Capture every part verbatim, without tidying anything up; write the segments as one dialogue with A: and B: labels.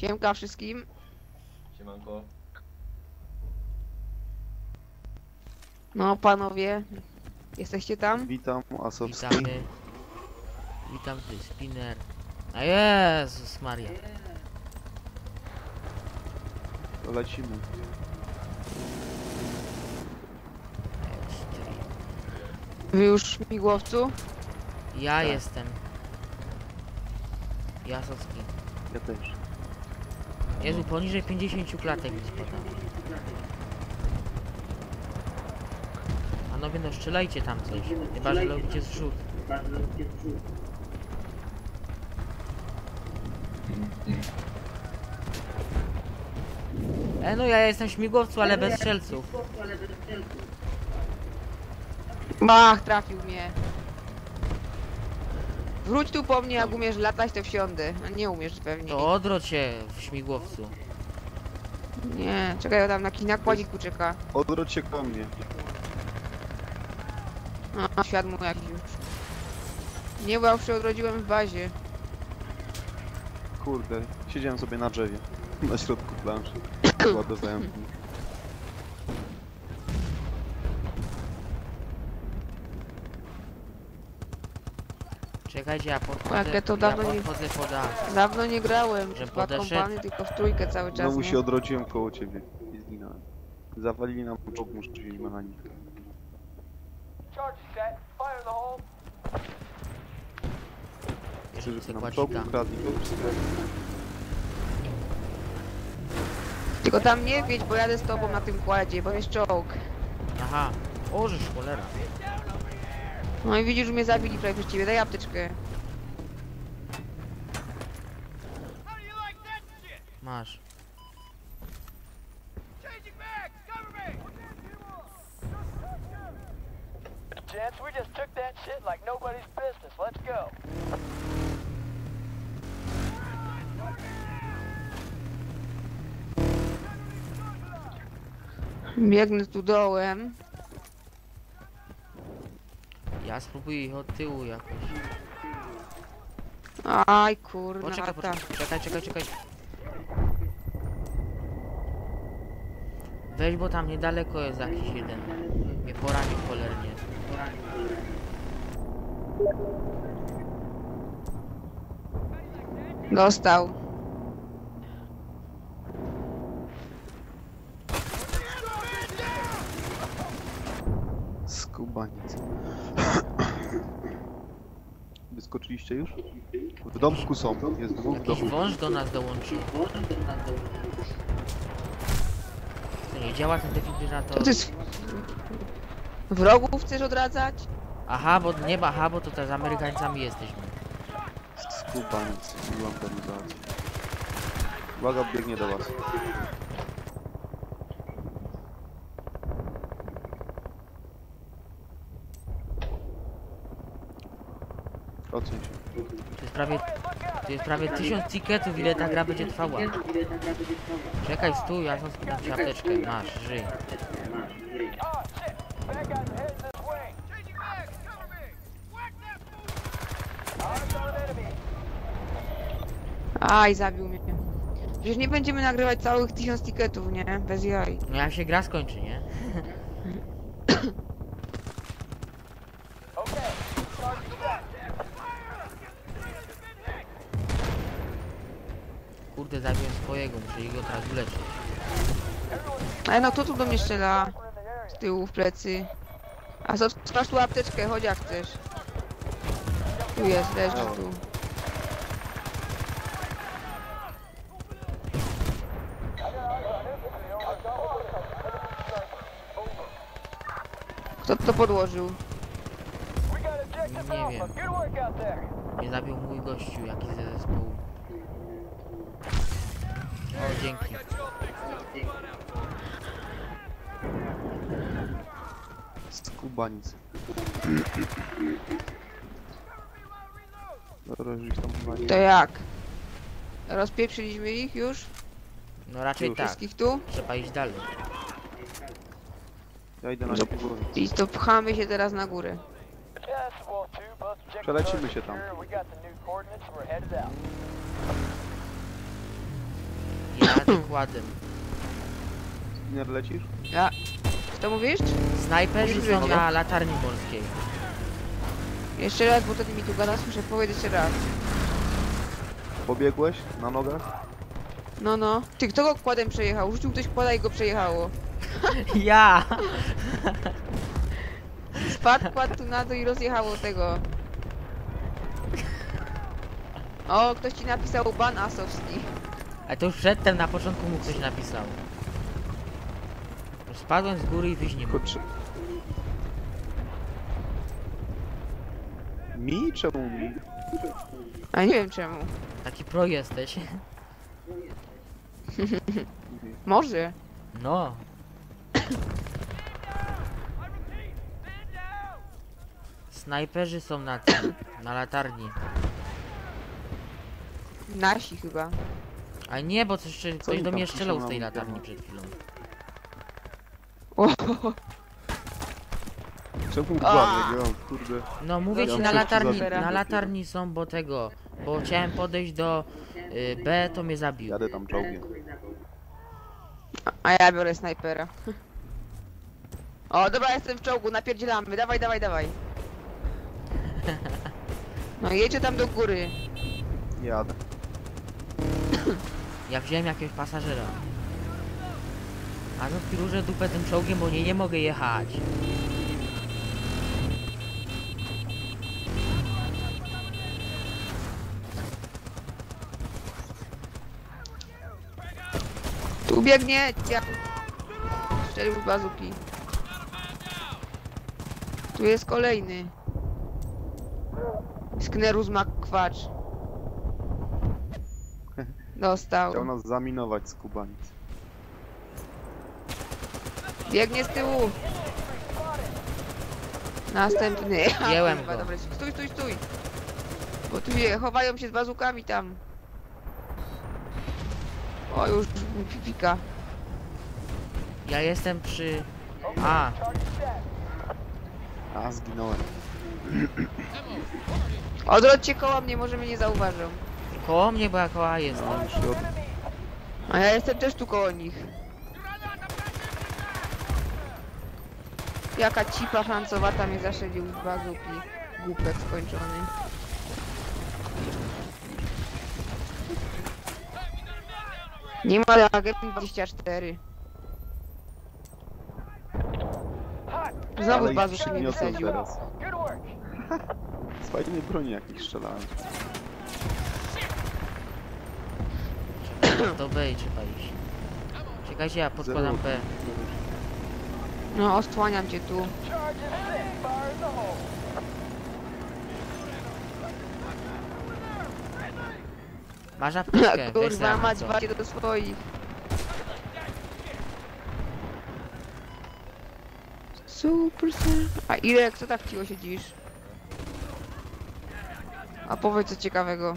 A: Siemka wszystkim.
B: Siemanko.
A: No panowie, jesteście tam?
C: Witam, Asowski.
D: Witamy. Witam, ty spinner. A Jezus Maria.
C: To lecimy.
A: Wy już w śmigłowcu?
D: Ja
C: Tak.
D: jestem. Jasowski.
C: Ja też.
D: Jezu, poniżej pięćdziesięciu klatek mi spada. Panowie, no strzelajcie tam coś. Chyba, że robicie zrzut. E, no ja jestem w śmigłowcu, ale bez strzelców.
A: Bach, trafił mnie. Wróć tu po mnie, jak umiesz latać, to wsiądę. A nie umiesz pewnie.
D: To odwróć się w śmigłowcu.
A: Nie, czekaj, tam na jakiś nakładziku czeka.
C: Odwróć się ko mnie.
A: A, świat mu jakiś już. Nie, bo ja już się odrodziłem w bazie.
C: Kurde, siedziałem sobie na drzewie. Na środku planszy. Ładowałem.
D: Czekajcie, ja podchodzę,
A: Jakie to
D: ja
A: dawno nie-
D: podchodzę pod A.
A: Dawno nie grałem.
D: Że
A: W dwa
D: podeszedł?
A: kompany, tylko w trójkę cały czas.
C: Znowu
A: nie?
C: się odrodziłem koło ciebie i zginąłem. Zawalili nam czołg, muszę wziąć mechanikę. Chcę, żeby nam czołg ukradli, to wszystko.
A: Tylko tam nie wiedź, bo jadę z tobą na tym kładzie, bo jest czołg.
D: Aha. O, żeż cholera.
A: No i widzisz, że mnie zabili prawie przez ciebie. Daj apteczkę.
D: Masz.
E: Gents, we just took that shit like nobody's business. Let's go.
A: Biegnę tu dołem.
D: Ja spróbuję ich od tyłu jakoś.
A: Aj kurna,
D: Poczekaj,
A: ta.
D: poczekaj, czekaj, czekaj, czekaj. Weź, bo tam niedaleko jest jakiś jeden. Mnie poranił cholernie.
A: Dostał.
C: Skubaniec. Wyskoczyliście już? W domku są, jest dwóch
D: Jakiś
C: domów.
D: wąż do nas dołączył. To nie działa ten
A: Co
D: defibrylator.
A: ty jest? Wrogów chcesz odradzać?
D: Aha, bo nie ma, aha, bo to też z Amerykańcami jesteśmy.
C: Skubaniec, mówiłam organizację. Uwaga, biegnie do was. Oceń się.
D: To jest prawie, to jest prawie tysiąc ticketów, ile ta gra będzie trwała. Czekaj, stój, ja sam sprzedam ci apteczkę. Masz, żyj.
E: Oh, shit. Bad guys are heading this way. Changing back. Cover me. Whack that fool. Eyes on an enemy.
A: Aj, zabił mnie. Przecież nie będziemy nagrywać całych tysiąc tiketów, nie? Bez jaj.
D: No jak się gra skończy, nie?
E: Okay. Target set.
D: Kurde, zabiłem swojego, muszę go teraz uleczyć.
A: Ale no kto tu do mnie strzela?
E: We're in the area.
A: Z tyłu, w plecy. A co, masz tu apteczkę, chodź jak chcesz. Tu jest, leży tu. Kto to podłożył?
E: We got objective
D: Nie
E: alpha.
D: wiem.
E: Good work out there.
D: Mnie zabił mój gościu, jakiś ze zespołu. O, dzięki.
C: Skubaniec. Dobra, już ich tam chyba nie.
A: To jak? Rozpieprzyliśmy ich już?
D: No raczej
C: Już.
D: tak.
A: Wszystkich tu?
D: Trzeba iść dalej.
C: Ja idę na
A: No.
C: górę.
A: I to pchamy się teraz na górę.
E: Yes, well, two, both objectives
C: Przelecimy
E: are
C: się tam.
E: secure. We got the new coordinates. We're headed out.
D: wykładem.
C: Nie lecisz?
A: Ja. Co mówisz?
D: Snajperzy
A: Mówisz,
D: są
A: że-
D: na latarni morskiej.
A: Jeszcze raz, bo wtedy mi tu gada, muszę powiedzieć jeszcze raz.
C: Pobiegłeś na nogach?
A: No, no. Ty, kto go kładem przejechał? Rzucił ktoś kłada i go przejechało.
D: Ja!
A: Spadł, kładł tu na dół i rozjechało tego. O, ktoś ci napisał ban asowski.
D: A to już przedtem na początku mu ktoś napisał. Spadłem z góry i wyjść nie mogę.
C: Kurczę. Mi? Czemu mi?
A: A nie wiem czemu.
D: Taki pro jesteś.
A: Może.
D: No. Snajperzy są na tym, na latarni.
A: Nasi chyba.
D: A nie, bo coś, ktoś
C: oni
D: do
C: tam
D: mnie
C: piszą
D: strzelał z
C: na
D: tej
C: mnie?
D: latarni przed chwilą.
A: O,
C: Czemu
A: A!
C: uważaj, go, kurde.
D: No mówię
C: Ja
D: ci, na
C: muszę
D: latarni,
C: zabić.
D: na latarni są, bo tego, bo chciałem podejść do y, B, to mnie zabił.
C: Jadę tam czołgiem.
A: a ja biorę snajpera. O, dobra, jestem w czołgu, napierdzielamy. Dawaj, dawaj, dawaj. No jedzie tam do góry.
C: Jadę.
D: Ja wziąłem jakiegoś pasażera. A no piruże dupę tym czołgiem, bo nie, nie mogę jechać.
A: Tu biegnie. Ja... Strzelił z bazuki. Tu jest kolejny. Sknerus McQuatch. Dostał.
C: Chciał nas zaminować z Kubanic.
A: Biegnie z tyłu. Następny.
D: Wziąłem
A: Kurwa,
D: go.
A: dobra, stój, stój, stój. Bo tu je, chowają się z bazukami tam. O, już pipika.
D: Ja jestem przy... A,
C: A, zginąłem.
A: Odwróćcie koło mnie, może mnie nie zauważą.
D: koło mnie, bo ja koło A jestem.
C: No, już się od...
A: A ja jestem też tu koło nich. Jaka cipa francowata mnie zaszedł z bazuki. Głupek skończony. Nie ma jak dwadzieścia cztery. Znowu
C: Ale
A: z
C: ich
A: bazuki mnie
C: przygniosłem
A: wysadził.
C: teraz.
E: Good work.
C: Z fajnej broni jakiejś strzelałem.
D: Do B i trzeba iść. Czekajcie, ja podkładam B.
A: No, osłaniam cię tu.
E: Charge is set. Fire in the hole.
D: Masz apteczkę, weź
A: Kurwa,
D: sobie
A: mać
D: co.
A: walcie do swoich. Super, super. A ile, co tak cicho siedzisz? A powiedz co ciekawego.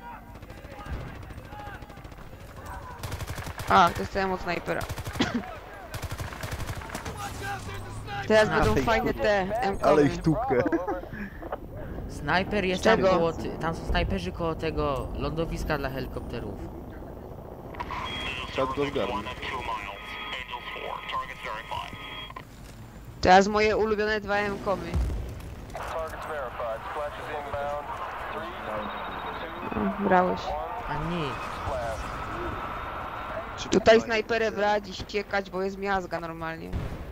A: A, dostałem od snajpera. Teraz
D: Ale
A: będą
C: ich
A: fajne
C: tupkę.
A: te
C: Ale
A: M-komy.
C: ich tupkę.
D: Snajper jest
A: Z
D: tam
A: czego?
D: koło... ty- Tam są snajperzy koło tego lądowiska dla helikopterów.
C: Trzeba go zgarnąć.
A: Teraz moje ulubione dwa M-komy.
E: Targets verified. Splash is inbound.
A: O, brałeś.
D: A nie.
C: Czy
A: Tutaj snajperę brać i ściekać, bo jest miazga normalnie.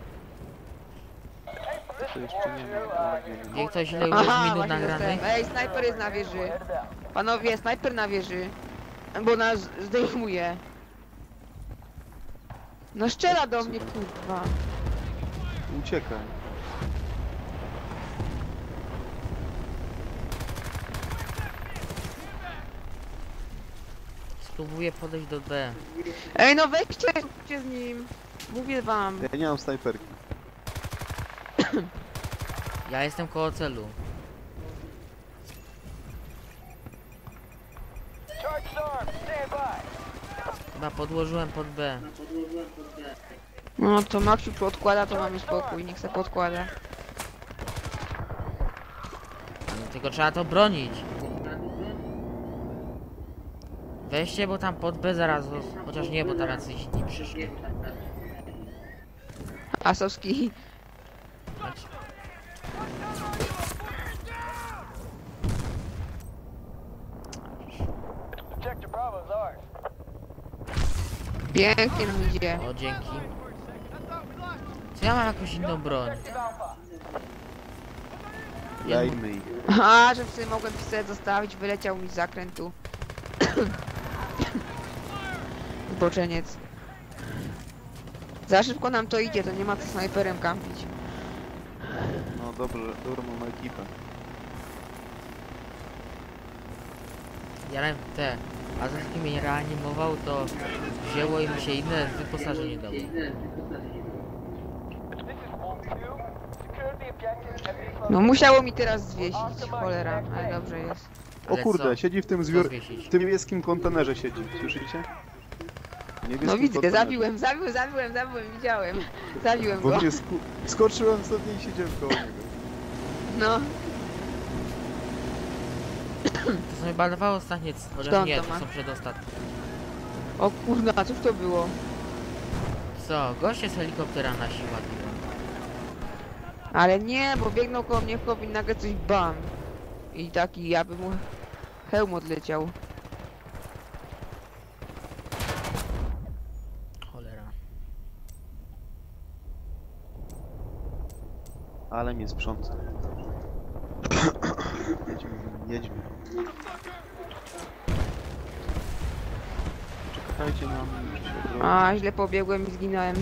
C: To jeszcze nie ma.
D: Wie ktoś ile już jest
A: Aha,
D: minut
A: właśnie
D: nagranych?
A: dostałem. Ej, snajper jest na wieży. Panowie, snajper na wieży. Bo nas zdejmuje. No strzela do mnie, kurwa.
C: Uciekaj.
D: Spróbuję podejść do B.
A: Ej, no weźcie, zróbcie z nim. Mówię wam.
C: Ja nie mam snajperki.
D: Ja jestem koło celu.
E: Charge armed. Stand by.
D: Chyba podłożyłem pod B.
A: No to Maksiu tu odkłada, to mamy spokój. Niech se podkłada.
D: Tylko trzeba to bronić. Weźcie, bo tam pod B zaraz, chociaż nie, bo tam jacyś inni przyszli.
A: Asowski.
D: Znaczy,
E: Objective Bravo is ours.
A: Pięknie nam idzie.
D: o, dzięki. Czy ja mam jakąś inną broń?
E: Alpha.
C: Dajmy ich.
A: A, że sobie mogłem pistolet zostawić, wyleciał mi z zakrętu. Zboczeniec. Za szybko nam to idzie, to nie ma co snajperem kampić.
C: No dobrze, dobrą mam ekipę.
D: Ja nawet te, a za kim mnie reanimował, to wzięło i mi się inne wyposażenie dało.
E: This is Wolf two. Secure the objectives at these
A: No musiało mi teraz zwiesić, cholera, ale dobrze jest.
C: O
D: Ale
C: kurde,
D: co?
C: siedzi w tym
D: Co
C: zwiór...
D: zwiesić?
C: w tym niebieskim kontenerze siedzi, słyszycie? W niebieskim
A: No widzę,
C: kontenerze.
A: zabiłem, zabiłem, zabiłem, zabiłem, widziałem. Zabiłem
C: Bo
A: go.
C: mnie sku... skoczyłem sobie i siedziałem koło niego.
A: No,
D: To są chyba dwa ostatnie, chociaż
A: Skąd
D: nie,
A: to
D: to
A: ma?
D: są przedostatnie.
A: o kurna, cóż to było?
D: Co, goście z helikoptera nasi ładują.
A: Ale nie, bo biegnął koło mnie chłop i nagle coś bam. I taki, ja bym mu hełm odleciał.
D: Cholera.
C: Ale mnie sprząta. Jedźmy, jedźmy. Czekajcie na mnie, muszę się odrobić.
A: A, źle pobiegłem i zginąłem.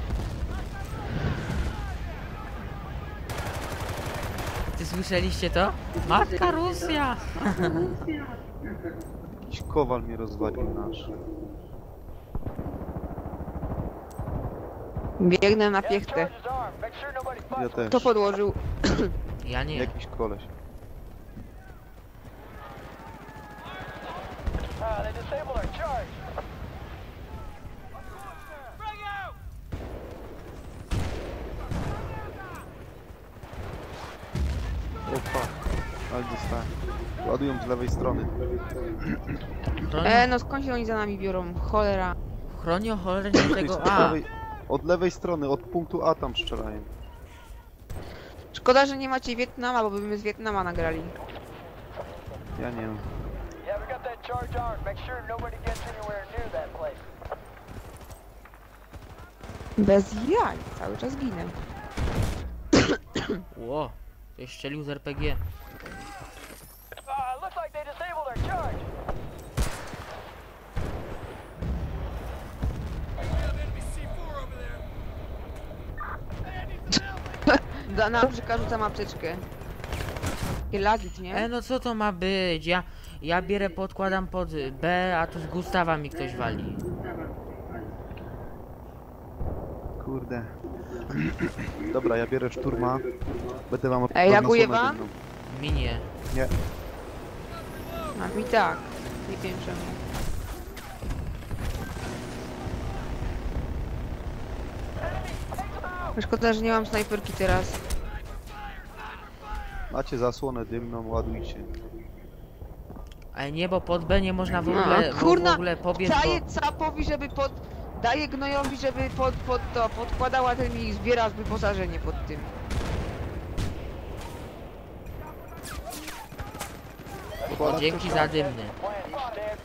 D: Ty słyszeliście to? Matka Rosja!
C: Jakiś kowal mnie rozwalił nasz.
A: Biegnę na
E: Gas
A: piechtę.
E: charge is armed. Make sure nobody
C: Ja
E: fights.
C: też.
A: To podłożył.
D: Ja nie.
C: Jakiś koleś.
E: Ah, they disabled our charge.
C: O fuck. Ale dostałem. Ładują z lewej strony.
D: Chronio,
A: E, no skąd się oni za nami biorą? Cholera.
D: chronio cholernie tego
C: Od
D: A.
C: lewej, od lewej strony, od punktu A tam strzelają.
A: Szkoda, że nie macie Wietnama, bo byśmy z Wietnama nagrali.
C: Ja nie wiem.
E: Yeah, we got that charge armed. Make sure nobody gets anywhere near that place.
A: Bez jaj, cały czas ginę.
D: Ło, ktoś strzelił z R P G.
E: Ah, looks like they disabled our charge.
A: Da, na brzyka rzucam apteczkę. Takie lagit,
D: E,
A: nie?
D: no co to ma być? Ja, ja bierę, podkładam pod B, a tu z Gustawa mi ktoś wali.
C: Kurde. Dobra, ja biorę szturma. Będę wam
A: Ej, laguje
C: odnosł
A: wam?
C: dymną.
D: Minie.
C: Nie.
A: A mi tak. Nie wiem czemu. Szkoda, że nie mam snajperki teraz.
C: Macie zasłonę dymną, ładujcie.
D: Ale nie, bo pod B nie można w
A: No,
D: ogóle, w
A: kurna,
D: ogóle pobiec, bo...
A: Daję capowi, żeby pod... Daję gnojowi, żeby pod, pod to, podkładała ten mi zbiera wyposażenie pod tym.
D: O, dzięki za dymny.
E: Plan, stand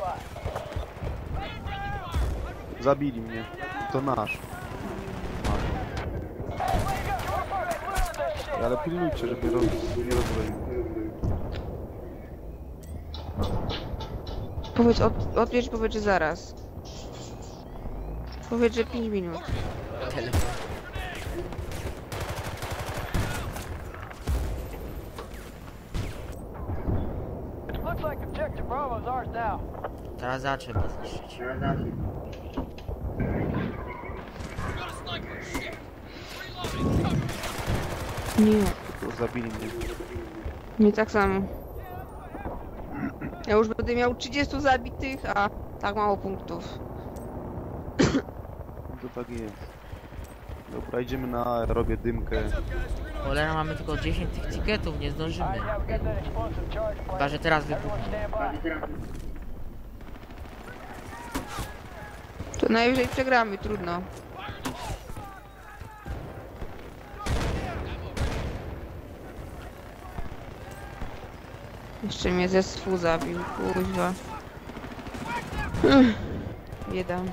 E: by.
C: Zabili mnie. To nasz. Ale pilnujcie, żeby roz... nie rozbroił.
A: Powiedz, od, odbierz, powiedz, że zaraz. Powiedz, że pięć minut.
D: Telefon.
E: Looks like objective Bravo is ours now.
D: Teraz za trzeba zniszczyć.
A: Nie,
C: To zabili mnie.
A: nie tak samo. Ja już będę miał trzydziestu zabitych, a tak mało punktów.
C: To tak jest. Dobra, idziemy na A, robię dymkę.
D: Cholera, mamy tylko dziesięć tych tiketów, nie zdążymy.
E: Alright, yeah, we got that explosive charge plan.
D: Chyba, że teraz
E: Everyone
D: wybuchnie.
E: stand by.
A: najwyżej przegramy, trudno. Jeszcze mnie ze swu zabił, kuźwa. Ech, Bieda.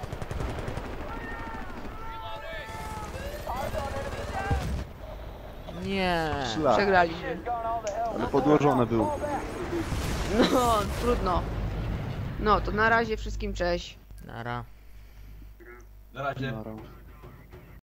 D: Nie.
C: Szlak,
A: Przegraliśmy.
C: ale podłożone był.
A: No, trudno. No, to na razie wszystkim cześć.
D: Nara.
B: Na razie.
C: Nara.